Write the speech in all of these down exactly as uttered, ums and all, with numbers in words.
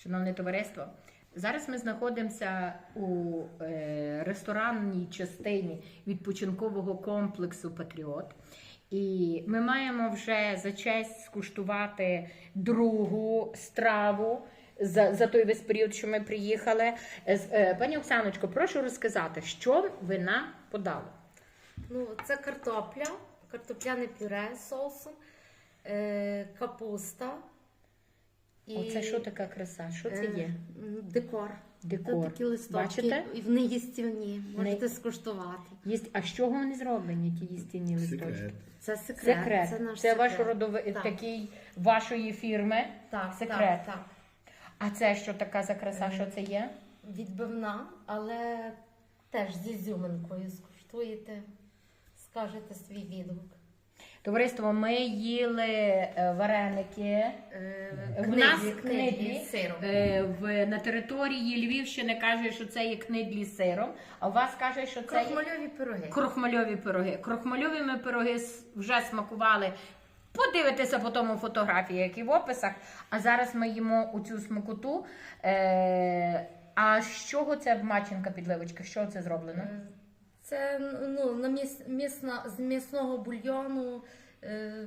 Шановне товариство, зараз ми знаходимося у е, ресторанній частині відпочинкового комплексу «Патріот». І ми маємо вже за честь скуштувати другу страву за, за той весь період, що ми приїхали. Е, пані Оксаночко, прошу розказати, що ви нам подали? Ну, це картопля, картопляне пюре з соусом, е, капуста. І, Оце що така краса? Що це є? Е, декор. Декор. Це такі листочки. Бачите? І вони їстівні. Можете Не- скуштувати. Єсть... А з чого вони зроблені, ті їстівні листочки? Секрет. Це секрет. Секрет. Це наш Це секрет. ваш родовий Так. такий вашої фірми. Так, секрет. Так, так. А це що така за краса? Що це є? Відбивна, але теж з ізюминкою. Скуштуєте, скажете свій відгук. Товариство, ми їли е, вареники. Е, В нас книдлі, книдлі, книдлі з сиром. Е, в, на території Львівщини каже, що це є книдлі з сиром, а у вас каже, що це є Крохмальові пироги. крохмальові пироги. Крохмальові ми пироги с- вже смакували. Подивитися по тому фотографії, як і в описах. А зараз ми їмо у цю смакоту. Е, а з чого це маченка підливочка? Що це зроблено? Е, Це ну, на міс, місна, з м'ясного бульйону е,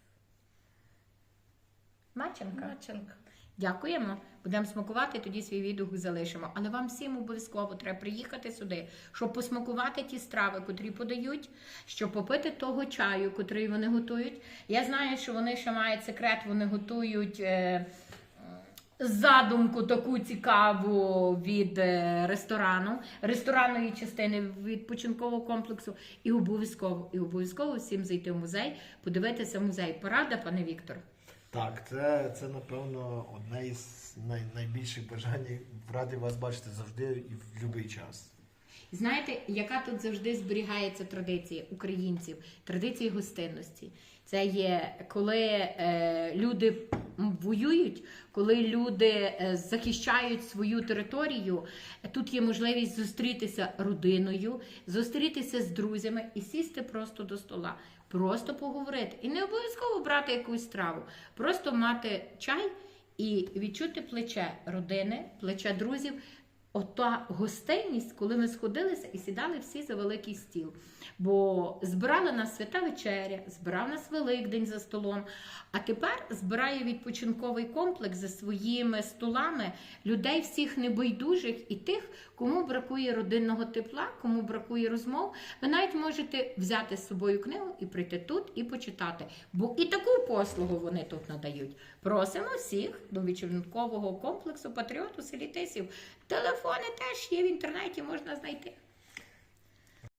Маченка. начинка. Дякуємо. Будемо смакувати, тоді свій відгук залишимо. Але вам всім обов'язково треба приїхати сюди, щоб посмакувати ті страви, котрі подають, щоб попити того чаю, котрий вони готують. Я знаю, що вони ще мають секрет, вони готують е, задумку таку цікаву від е, ресторану, ресторанної частини відпочинкового комплексу. І обов'язково, і обов'язково всім зайти в музей, подивитися музей. Порада, пане Віктор? Так, це, це напевно одне із най, найбільших бажань. Радий вас бачити завжди і в будь-який час. Знаєте, яка тут завжди зберігається традиція українців, традиція гостинності. Це є, коли е, люди воюють, коли люди е, захищають свою територію, тут є можливість зустрітися родиною, зустрітися з друзями і сісти просто до стола. Просто поговорити. І не обов'язково брати якусь страву. Просто мати чай і відчути плече родини, плече друзів. Ота гостинність, коли ми сходилися і сідали всі за великий стіл. Бо збирала нас свята вечеря, збирав нас Великдень за столом, а тепер збирає відпочинковий комплекс за своїми столами людей всіх небайдужих і тих, кому бракує родинного тепла, кому бракує розмов. Ви навіть можете взяти з собою книгу і прийти тут і почитати. Бо і таку послугу вони тут надають. Просимо всіх до відпочинкового комплексу «Патріот» у селі Тисів. Телефони теж є в інтернеті, можна знайти.